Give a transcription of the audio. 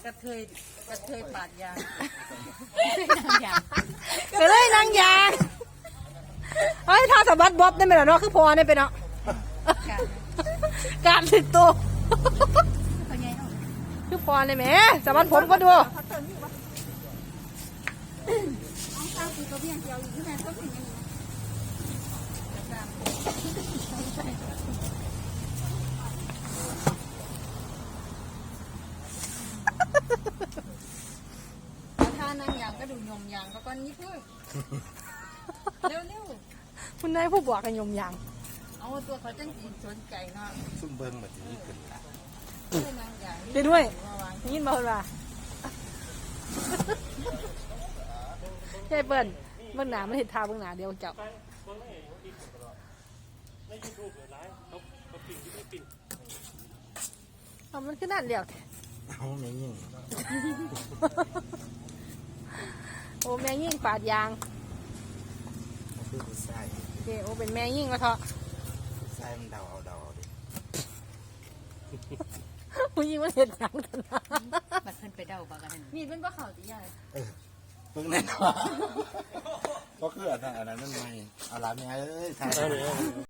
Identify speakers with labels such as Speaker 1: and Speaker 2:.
Speaker 1: กระเทยปาดยาง
Speaker 2: ก็เลยนางยางเฮ้ยถ้าสะบัดบ๊อบได้ไหมล่ะเนาะคือพอได้ไปเนาะการถึงตัวคือพอได้ไหมสะบัดผมก็ดู
Speaker 1: ถ้านางยางก็ดูยมยางก็ก้อนนิดนึงเร็ว
Speaker 2: คุณนายผู้บวกกันยมยาง
Speaker 1: ๆเอาตัวเขาจังสีสนใจเนาะ
Speaker 3: ซุ่มเบิ้งแบบนี้ขึ้นละ
Speaker 1: นางยาง
Speaker 2: ไปด้วย
Speaker 1: มาวาง
Speaker 2: ยินบ่ล่ะใช่เปิ้ลเบื้องหน้าไม่เห็นทาเบื้องหน้าเดียวเจ้าเอามันขึ้นนั่นเดียว
Speaker 3: เอาไม่ยิ่ง
Speaker 2: โอ้แมงยิ่งปาดยาง
Speaker 3: คือผู้ชาย
Speaker 2: โอเคโอ้เป็นแมงยิ่งก็เถอะ
Speaker 3: ผู้ชายมันเดาเอาดิ
Speaker 2: ผู้ยิ่งมันเห็นหนังกันนะ
Speaker 1: บัดเพิ่นไปเดาบากันมีดเป็นบ่เข่าตีใหญ่
Speaker 3: เพิ่งแน่นอนก็คืออันนั้นไม่เอาละแม่เอ้ย